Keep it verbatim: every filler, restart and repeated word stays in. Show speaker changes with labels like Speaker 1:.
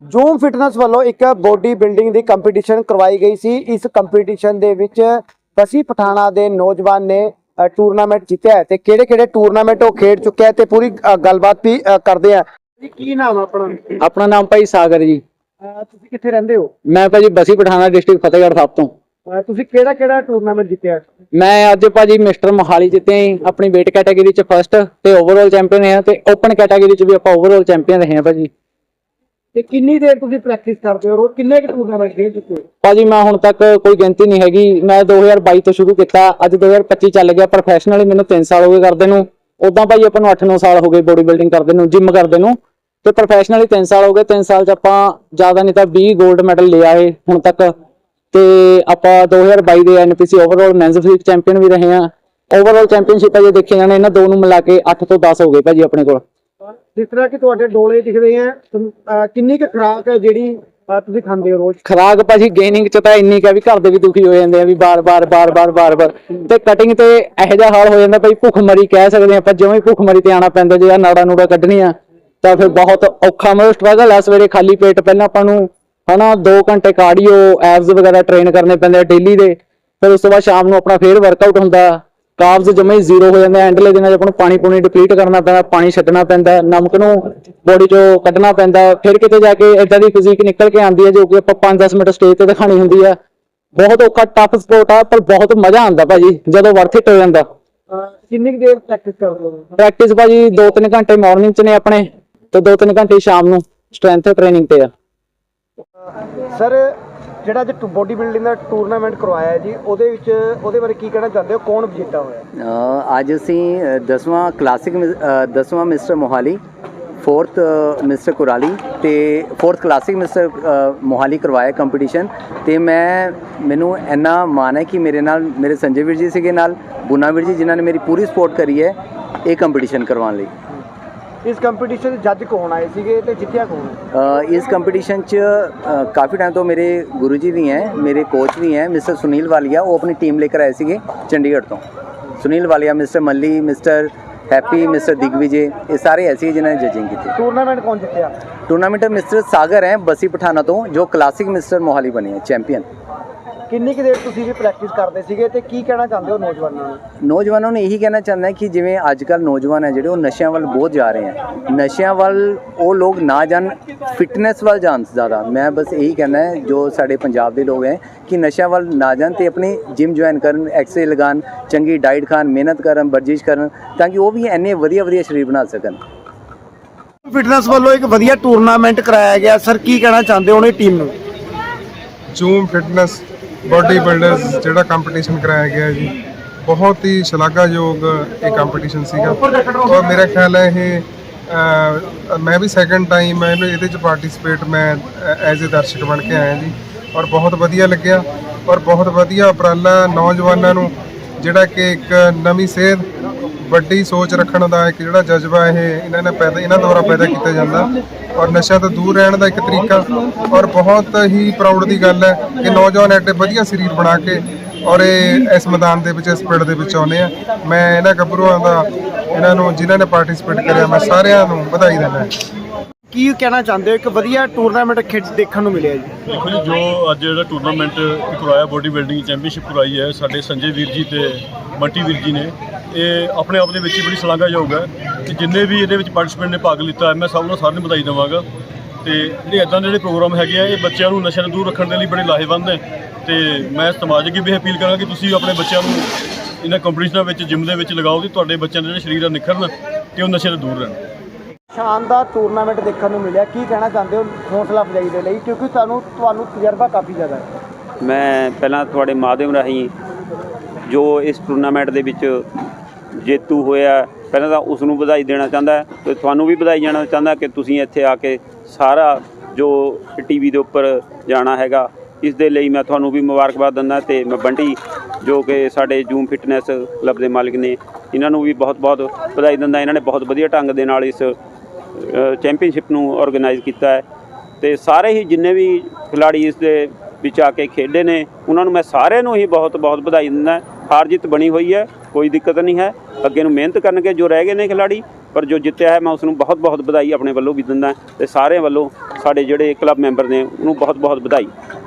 Speaker 1: Zoom fitness ਵੱਲੋਂ ਇੱਕ body building ਦੀ competition ਕਰਵਾਈ ਗਈ ਸੀ। ਇਸ ਕੰਪੀਟੀਸ਼ਨ ਦੇ ਵਿੱਚ ਬਸੀ ਪਠਾਣਾ ਦੇ ਨੌਜਵਾਨ ਨੇ ਟੂਰਨਾਮੈਂਟ ਜਿੱਤਿਆ ਤੇ ਕਿਹੜੇ ਕਿਹੜੇ ਟੂਰਨਾਮੈਂਟ ਉਹ ਖੇਡ ਚੁੱਕਿਆ ਤੇ ਪੂਰੀ ਗੱਲਬਾत ਵੀ ਕਰਦੇ ਆ। ਕੀ ਨਾਮ ਆਪਣਾ?
Speaker 2: ਆਪਣਾ ਨਾਮ ਭਾਈ ਸਾਗਰ ਜੀ।
Speaker 1: ਤੁਸੀਂ ਕਿੱਥੇ ਰਹਿੰਦੇ ਹੋ?
Speaker 2: ਮੈਂ ਭਾਜੀ ਬਸੀ ਪਠਾਣਾ ਡਿਸਟ੍ਰਿਕਟ ਫਤਿਹਗੜ੍ਹ ਸਾਹਿਬ ਤੋਂ।
Speaker 1: ਤੁਸੀਂ ਕਿਹੜਾ ਕਿਹੜਾ ਟੂਰਨਾਮੈਂਟ ਜਿੱਤਿਆ?
Speaker 2: ਮੈਂ ਅੱਜ ਭਾਜੀ ਮਿਸਟਰ ਮੋਹਾਲੀ ਜਿੱਤੇ ਆਪਣੀ weight ਕੈਟਾਗਰੀ ਚ ਫਸਟ ਤੇ ਓਵਰਆਲ ਚੈਂਪੀਅਨ ਹੈ ਤੇ ਓਪਨ ਕੈਟਾਗਰੀ ਚ ਵੀ ਆਪਾਂ ਓਵਰਆਲ ਚੈਂਪੀਅਨ ਰਹੇ ਹਾਂ ਭਾਜੀ।
Speaker 1: ਤੇ ਕਿੰਨੀ ਦੇਰ ਤੁਸੀਂ ਪ੍ਰੈਕਟਿਸ ਕਰਦੇ ਹੋ? ਰੋਜ਼ ਕਿੰਨੇ ਕੁ ਟੂਰਨਾਮੈਂਟ ਖੇਡ ਚੁੱਕੇ ਹੋ?
Speaker 2: ਭਾਜੀ ਮੈਂ ਹੁਣ ਤੱਕ ਕੋਈ ਗਿਣਤੀ ਨਹੀਂ ਹੈਗੀ। ਮੈਂ ਦੋ ਹਜ਼ਾਰ ਬਾਈ ਤੋਂ ਸ਼ੁਰੂ ਕੀਤਾ, ਅੱਜ ਦੋ ਹਜ਼ਾਰ ਪੱਚੀ ਚੱਲ ਗਿਆ। ਪ੍ਰੋਫੈਸ਼ਨਲੀ ਮੈਨੂੰ ਤਿੰਨ ਸਾਲ ਹੋ ਗਏ ਕਰਦੇ ਨੂੰ। ਉਦਾਂ ਭਾਜੀ ਆਪਾਂ ਨੂੰ ਅੱਠ ਨੌ ਸਾਲ ਹੋ ਗਏ ਬੋਡੀ ਬਿਲਡਿੰਗ ਕਰਦੇ ਨੂੰ, ਜਿਮ ਕਰਦੇ ਨੂੰ। ਤੇ ਪ੍ਰੋਫੈਸ਼ਨਲੀ ਤਿੰਨ ਸਾਲ ਹੋ ਗਏ। ਤਿੰਨ ਸਾਲ ਚ ਆਪਾਂ ਜ਼ਿਆਦਾ ਨਹੀਂ ਤਾਂ ਵੀਹ 골ਡ ਮੈਡਲ ਲੈ ਆਏ ਹੁਣ ਤੱਕ। ਤੇ ਆਪਾਂ ਦੋ ਹਜ਼ਾਰ ਬਾਈ ਦੇ N P C overall men's physique champion ਵੀ ਰਹੇ ਹਾਂ। ਓਵਰਆਲ ਚੈਂਪੀਅਨਸ਼ਿਪ ਜੇ ਦੇਖੇ ਜਾਣੇ ਇਹਨਾਂ ਦੋ ਨੂੰ ਮਿਲਾ ਕੇ ਅੱਠ ਤੋਂ ਦਸ ਹੋ ਗਏ ਭਾਜੀ ਆਪਣੇ ਕੋਲ।
Speaker 1: ਜਿਸ ਤਰ੍ਹਾਂ ਕਿ ਤੁਹਾਡੇ ਡੋਲੇ ਦਿਖਦੇ ਆ, ਕਿੰਨੀ ਕੁ ਖੁਰਾਕ ਹੈ ਜਿਹੜੀ ਤੁਸੀਂ ਖਾਂਦੇ ਹੋ ਰੋਜ਼?
Speaker 2: ਖੁਰਾਕ ਭਾਜੀ ਗੇਨਿੰਗ ਚ ਤਾਂ ਇੰਨੀ ਕੁ ਵੀ ਘਰ ਦੇ ਵੀ ਦੁਖੀ ਹੋ ਜਾਂਦੇ ਆ ਵੀ ਬਾਰ ਬਾਰ ਬਾਰ ਬਾਰ ਬਾਰ ਬਾਰ। ਤੇ ਕਟਿੰਗ ਤੇ ਇਹੋ ਜਿਹਾ ਹਾਲ ਹੋ ਜਾਂਦਾ ਭਾਈ, ਭੁੱਖ ਮਰੀ ਕਹਿ ਸਕਦੇ ਆਪਾਂ। ਜਿਵੇਂ ਭੁੱਖ ਮਰੀ ਤੇ ਆਉਣਾ ਪੈਂਦਾ, ਜੇ ਆ ਨਾੜਾ ਨੂੜਾ ਕੱਢਣੀਆਂ ਤਾਂ ਫਿਰ ਬਹੁਤ ਔਖਾ ਮਤਲਬ ਸਟਰਗਲ ਆ। ਸਵੇਰੇ ਖਾਲੀ ਪੇਟ ਪਹਿਲਾਂ ਆਪਾਂ ਨੂੰ ਹਨਾ ਦੋ ਘੰਟੇ ਕਾਰਡੀਓ ਐਬਸ ਵਗੈਰਾ ਟ੍ਰੇਨ ਕਰਨੇ ਪੈਂਦੇ ਆ ਡੇਲੀ ਦੇ। ਫਿਰ ਉਸ ਤੋਂ ਬਾਅਦ ਸ਼ਾਮ ਨੂੰ ਆਪਣਾ ਫੇਰ ਵਰਕਆਊਟ ਹੁੰਦਾ। ਕਾਰਬਸ ਜਮੇ ਹੀ ਜ਼ੀਰੋ ਹੋ ਜਾਂਦੇ। ਐਂਡਲੇ ਦਿਨਾਂ 'ਚ ਆਪਾਂ ਨੂੰ ਪਾਣੀ ਪੂਣੀ ਡਿਪਲੀਟ ਕਰਨਾ ਪੈਂਦਾ, ਪਾਣੀ ਛੱਡਣਾ ਪੈਂਦਾ, ਨਮਕ ਨੂੰ ਬੋਡੀ 'ਚੋਂ ਕੱਢਣਾ ਪੈਂਦਾ। ਫਿਰ ਕਿਤੇ ਜਾ ਕੇ ਏਦਾਂ ਦੀ ਫਿਜ਼ੀਕ ਨਿਕਲ ਕੇ ਆਉਂਦੀ ਹੈ ਜੋ ਕਿ ਆਪਾਂ ਪੰਜ ਦਸ ਮਿੰਟ ਸਟੇਜ ਤੇ ਦਿਖਾਣੀ ਹੁੰਦੀ ਆ। ਬਹੁਤ ਔਖਾ ਟਫ ਸਪੋਰਟ ਆ, ਪਰ ਬਹੁਤ ਮਜ਼ਾ ਆਉਂਦਾ ਭਾਜੀ ਜਦੋਂ ਵਰਥ ਇਟ ਹੋ ਜਾਂਦਾ।
Speaker 1: ਕਿੰਨੀ ਕੁ ਦੇਰ ਪ੍ਰੈਕਟਿਸ ਕਰਦੇ ਹੋ?
Speaker 2: ਪ੍ਰੈਕਟਿਸ ਭਾਜੀ ਦੋ ਤਿੰਨ ਘੰਟੇ ਮਾਰਨਿੰਗ 'ਚ ਨੇ ਆਪਣੇ ਤੇ ਦੋ ਤਿੰਨ ਘੰਟੇ ਸ਼ਾਮ ਨੂੰ ਸਟਰੈਂਥ ਟ੍ਰੇਨਿੰਗ ਤੇ ਆ।
Speaker 1: ਸਰ ਜਿਹੜਾ ਅੱਜ ਬੋਡੀ ਬਿਲਡਿੰਗ ਦਾ ਟੂਰਨਾਮੈਂਟ ਕਰਵਾਇਆ ਜੀ, ਉਹਦੇ ਵਿੱਚ ਉਹਦੇ ਬਾਰੇ ਕੀ ਕਹਿਣਾ ਚਾਹੁੰਦੇ ਹੋ? ਕੌਣ ਵਿਜੇਤਾ ਹੋਇਆ?
Speaker 3: ਅੱਜ ਅਸੀਂ ਦਸਵਾਂ ਕਲਾਸਿਕ ਦਸਵਾਂ mister Mohali, fourth mister Kurali ਤੇ ਫੋਰਥ ਕਲਾਸਿਕ ਮਿਸਟਰ ਮੋਹਾਲੀ ਕਰਵਾਇਆ ਕੰਪੀਟੀਸ਼ਨ। ਤੇ ਮੈਂ ਮੈਨੂੰ ਇੰਨਾ ਮਾਣ ਹੈ ਕਿ ਮੇਰੇ ਨਾਲ ਮੇਰੇ ਸੰਜੇ ਵੀਰ ਜੀ ਸੀਗੇ, ਨਾਲ ਬੁਨਾ ਵੀਰ ਜੀ, ਜਿਨ੍ਹਾਂ ਨੇ ਮੇਰੀ ਪੂਰੀ ਸਪੋਰਟ ਕਰੀ ਹੈ ਇਹ ਕੰਪੀਟੀਸ਼ਨ ਕਰਵਾਉਣ ਲਈ।
Speaker 1: ਇਸ ਕੰਪੀਟੀਸ਼ਨ ਦੇ ਜੱਜ ਕੌਣ ਆਏ ਸੀਗੇ ਤੇ ਜਿੱਤਿਆ ਕੌਣ?
Speaker 3: ਇਸ ਕੰਪੀਟੀਸ਼ਨ 'ਚ ਕਾਫੀ ਟਾਈਮ ਤੋਂ ਮੇਰੇ ਗੁਰੂ ਜੀ ਵੀ ਹੈ, ਮੇਰੇ ਕੋਚ ਵੀ ਹੈ ਮਿਸਟਰ ਸੁਨੀਲ ਵਾਲੀਆ। ਉਹ ਆਪਣੀ ਟੀਮ ਲੈ ਕੇ ਆਏ ਸੀਗੇ ਚੰਡੀਗੜ੍ਹ ਤੋਂ। Sunil Walia, mister Malli, mister Happy, mister Digvijay, ਇਹ ਸਾਰੇ ਐਸੇ ਜਿਨ੍ਹਾਂ ਨੇ ਜਜਿੰਗ ਕੀਤੀ।
Speaker 1: ਟੂਰਨਾਮੈਂਟ ਕੌਣ ਜਿੱਤਿਆ?
Speaker 3: ਟੂਰਨਾਮੈਂਟ ਮਿਸਟਰ ਸਾਗਰ ਹੈ ਬਸੀ ਪਠਾਣਾ ਤੋਂ, ਜੋ ਕਲਾਸਿਕ ਮਿਸਟਰ ਮੋਹਾਲੀ ਬਣੇ ਹੈ ਚੈਂਪੀਅਨ।
Speaker 1: ਕਿੰਨੀ ਕੁ ਦੇਰ ਤੁਸੀਂ ਵੀ ਪ੍ਰੈਕਟਿਸ ਕਰਦੇ ਸੀਗੇ ਤੇ ਕੀ ਕਹਿਣਾ ਚਾਹੁੰਦੇ ਹੋ ਨੌਜਵਾਨਾਂ ਨੂੰ?
Speaker 3: ਨੌਜਵਾਨਾਂ ਨੂੰ ਇਹੀ ਕਹਿਣਾ ਚਾਹੁੰਦਾ ਕਿ ਜਿਵੇਂ ਅੱਜ ਕੱਲ੍ਹ ਨੌਜਵਾਨ ਹੈ ਜਿਹੜੇ ਉਹ ਨਸ਼ਿਆਂ ਵੱਲ ਬਹੁਤ ਜਾ ਰਹੇ ਹੈ। ਨਸ਼ਿਆਂ ਵੱਲ ਉਹ ਲੋਕ ਨਾ ਜਾਣ, ਫਿਟਨੈਸ ਵੱਲ ਜਾਣ ਜ਼ਿਆਦਾ। ਮੈਂ ਬਸ ਇਹੀ ਕਹਿਣਾ ਹੈ ਜੋ ਸਾਡੇ ਪੰਜਾਬ ਦੇ ਲੋਕ ਹੈ ਕਿ ਨਸ਼ਿਆਂ ਵੱਲ ਨਾ ਜਾਣ ਤੇ ਆਪਣੀ ਜਿਮ ਜੁਆਇਨ ਕਰਨ, ਐਕਸਰਸਾਈਜ਼ ਲਗਾਉਣ, ਚੰਗੀ ਡਾਈਟ ਖਾਣ, ਮਿਹਨਤ ਕਰਨ, ਵਰਜਿਸ਼ ਕਰਨ, ਤਾਂ ਕਿ ਉਹ ਵੀ ਇੰਨੇ ਵਧੀਆ ਵਧੀਆ ਸਰੀਰ ਬਣਾ ਸਕਣ।
Speaker 1: ਫਿਟਨੈਸ ਵੱਲੋਂ ਇੱਕ ਵਧੀਆ ਟੂਰਨਾਮੈਂਟ ਕਰਾਇਆ ਗਿਆ ਸਰ, ਕੀ ਕਹਿਣਾ ਚਾਹੁੰਦੇ ਹੋ ਉਹਨੇ ਟੀਮ ਨੂੰ?
Speaker 4: ਜੂਮ ਫਿਟਨੈਸ ਬੋਡੀ ਬਿਲਡਰਸ ਜਿਹੜਾ ਕੰਪੀਟੀਸ਼ਨ ਕਰਾਇਆ ਗਿਆ ਜੀ, ਬਹੁਤ ਹੀ ਸ਼ਲਾਘਾਯੋਗ ਇਹ ਕੰਪੀਟੀਸ਼ਨ ਸੀਗਾ। ਔਰ ਮੇਰਾ ਖਿਆਲ ਹੈ ਇਹ ਮੈਂ ਵੀ ਸੈਕੰਡ ਟਾਈਮ ਮੈਂ ਇਹਦੇ 'ਚ ਪਾਰਟਿਸਿਪੇਟ ਮੈਂ ਐਜ਼ ਏ ਦਰਸ਼ਕ ਬਣ ਕੇ ਆਇਆ ਜੀ। ਔਰ ਬਹੁਤ ਵਧੀਆ ਲੱਗਿਆ ਔਰ ਬਹੁਤ ਵਧੀਆ ਉਪਰਾਲਾ ਨੌਜਵਾਨਾਂ ਨੂੰ, ਜਿਹੜਾ ਕਿ ਇੱਕ ਨਵੀਂ ਸੇਧ, ਵੱਡੀ ਸੋਚ ਰੱਖਣ ਦਾ ਇੱਕ ਜਿਹੜਾ ਜਜ਼ਬਾ ਇਹ ਇਹਨਾਂ ਨੇ ਪੈਦਾ ਇਹਨਾਂ ਦੁਆਰਾ ਪੈਦਾ ਕੀਤਾ ਜਾਂਦਾ, ਔਰ ਨਸ਼ਿਆਂ ਤੋਂ ਦੂਰ ਰਹਿਣ ਦਾ ਇੱਕ ਤਰੀਕਾ। ਔਰ ਬਹੁਤ ਹੀ ਪ੍ਰਾਊਡ ਦੀ ਗੱਲ ਹੈ ਕਿ ਨੌਜਵਾਨ ਐਡੇ ਵਧੀਆ ਸਰੀਰ ਬਣਾ ਕੇ ਔਰ ਇਹ ਇਸ ਮੈਦਾਨ ਦੇ ਵਿੱਚ, ਇਸ ਪਿੰਡ ਦੇ ਵਿੱਚ ਆਉਂਦੇ ਆ। ਮੈਂ ਇਹਨਾਂ ਗੱਭਰੂਆਂ ਦਾ, ਇਹਨਾਂ ਨੂੰ ਜਿਨ੍ਹਾਂ ਨੇ ਪਾਰਟਿਸਿਪੇਟ ਕਰਿਆ, ਮੈਂ ਸਾਰਿਆਂ ਨੂੰ ਵਧਾਈ ਦਿੰਦਾ।
Speaker 1: ਕੀ ਕਹਿਣਾ ਚਾਹੁੰਦੇ ਹੋ? ਇੱਕ ਵਧੀਆ ਟੂਰਨਾਮੈਂਟ ਖੇਡ ਦੇਖਣ ਨੂੰ ਮਿਲਿਆ ਜੀ।
Speaker 5: ਦੇਖੋ ਜੀ, ਜੋ ਅੱਜ ਜਿਹੜਾ ਟੂਰਨਾਮੈਂਟ ਕਰਵਾਇਆ ਬੋਡੀ ਬਿਲਡਿੰਗ ਚੈਂਪੀਅਨਸ਼ਿਪ ਕਰਵਾਈ ਹੈ ਸਾਡੇ ਸੰਜੇ ਵੀਰ ਜੀ ਤੇ ਬੰਟੀ ਵੀਰ ਜੀ ਨੇ, ਇਹ ਆਪਣੇ ਆਪ ਦੇ ਵਿੱਚ ਹੀ ਬੜੀ ਸ਼ਲਾਘਾਯੋਗ ਹੈ। ਤੇ ਜਿੰਨੇ ਵੀ ਇਹਦੇ ਵਿੱਚ ਪਾਰਟਿਸਪੈਂਟ ਨੇ ਭਾਗ ਲਿੱਤਾ, ਮੈਂ ਸਭ ਨੂੰ ਸਾਰਿਆਂ ਨੂੰ ਵਧਾਈ ਦੇਵਾਂਗਾ। ਤੇ ਜਿਹੜੇ ਇੱਦਾਂ ਦੇ ਜਿਹੜੇ ਪ੍ਰੋਗਰਾਮ ਹੈਗੇ ਆ, ਇਹ ਬੱਚਿਆਂ ਨੂੰ ਨਸ਼ਿਆਂ ਤੋਂ ਦੂਰ ਰੱਖਣ ਦੇ ਲਈ ਬੜੇ ਲਾਹੇਵੰਦ ਨੇ। ਤੇ ਮੈਂ ਸਮਾਜ ਅੱਗੇ ਵੀ ਅਪੀਲ ਕਰਾਂਗਾ ਕਿ ਤੁਸੀਂ ਆਪਣੇ ਬੱਚਿਆਂ ਨੂੰ ਇਹਨਾਂ ਕੰਪੀਟੀਸ਼ਨਾਂ ਵਿੱਚ, ਜਿਮ ਦੇ ਵਿੱਚ ਲਗਾਓ ਕਿ ਤੁਹਾਡੇ ਬੱਚਿਆਂ ਦੇ ਜਿਹੜੇ ਸਰੀਰ ਆ ਨਿਖਰਨ ਤੇ ਉਹ ਨਸ਼ੇ ਤੋਂ ਦੂਰ ਰਹਿਣ।
Speaker 1: ਸ਼ਾਨਦਾਰ ਟੂਰਨਾਮੈਂਟ ਦੇਖਣ ਨੂੰ ਮਿਲਿਆ, ਕੀ ਕਹਿਣਾ ਚਾਹੁੰਦੇ ਹੋ ਹੌਸਲਾ ਅਫਜ਼ਾਈ ਦੇ ਲਈ, ਕਿਉਂਕਿ ਤੁਹਾਨੂੰ ਤੁਹਾਨੂੰ ਤਜਰਬਾ ਕਾਫੀ ਜ਼ਿਆਦਾ ਹੈ?
Speaker 6: ਮੈਂ ਪਹਿਲਾਂ ਤੁਹਾਡੇ ਮਾਧਿਅਮ ਰਾਹੀਂ ਜੋ ਇਸ ਟੂਰਨਾਮੈਂਟ ਦੇ ਵਿੱਚ ਜੇਤੂ ਹੋਇਆ, ਪਹਿਲਾਂ ਤਾਂ ਉਸ ਨੂੰ ਵਧਾਈ ਦੇਣਾ ਚਾਹੁੰਦਾ ਤੇ ਤੁਹਾਨੂੰ ਵੀ ਵਧਾਈ ਜਾਣਾ ਚਾਹੁੰਦਾ ਕਿ ਤੁਸੀਂ ਇੱਥੇ ਆ ਕੇ ਸਾਰਾ ਜੋ ਟੀ ਵੀ ਦੇ ਉੱਪਰ ਜਾਣਾ ਹੈਗਾ, ਇਸ ਦੇ ਲਈ ਮੈਂ ਤੁਹਾਨੂੰ ਵੀ ਮੁਬਾਰਕਬਾਦ ਦਿੰਦਾ। ਤੇ ਮੈਂ ਬੰਟੀ ਜੋ ਕਿ ਸਾਡੇ ਜੂਮ ਫਿਟਨੈਸ ਕਲੱਬ ਦੇ ਮਾਲਿਕ ਨੇ, ਇਹਨਾਂ ਨੂੰ ਵੀ ਬਹੁਤ ਬਹੁਤ ਵਧਾਈ ਦਿੰਦਾ। ਇਹਨਾਂ ਨੇ ਬਹੁਤ ਵਧੀਆ ਢੰਗ ਦੇ ਨਾਲ ਇਸ ਚੈਂਪੀਅਨਸ਼ਿਪ ਨੂੰ ਆਰਗੇਨਾਈਜ਼ ਕੀਤਾ ਹੈ। ਤੇ ਸਾਰੇ ਹੀ ਜਿੰਨੇ ਵੀ ਖਿਲਾੜੀ ਇਸ ਦੇ ਵਿੱਚ ਆ ਕੇ ਖੇਡੇ ਨੇ, ਉਹਨਾਂ ਨੂੰ ਮੈਂ ਸਾਰਿਆਂ ਨੂੰ ਹੀ ਬਹੁਤ ਬਹੁਤ ਵਧਾਈ ਦਿੰਦਾ। ਹਾਰ ਜਿੱਤ ਬਣੀ ਹੋਈ ਹੈ, ਕੋਈ ਦਿੱਕਤ ਨਹੀਂ ਹੈ, ਅੱਗੇ ਨੂੰ ਮਿਹਨਤ ਕਰਨਗੇ ਜੋ ਰਹਿ ਗਏ ਨੇ ਖਿਲਾੜੀ, ਪਰ ਜੋ ਜਿੱਤਿਆ ਹੈ ਮੈਂ ਉਸ ਨੂੰ ਬਹੁਤ ਬਹੁਤ ਵਧਾਈ ਆਪਣੇ ਵੱਲੋਂ ਵੀ ਦਿੰਦਾ ਤੇ ਸਾਰਿਆਂ ਵੱਲੋਂ ਸਾਡੇ ਜਿਹੜੇ ਕਲੱਬ ਮੈਂਬਰ ਨੇ ਉਹਨੂੰ ਬਹੁਤ ਬਹੁਤ ਵਧਾਈ।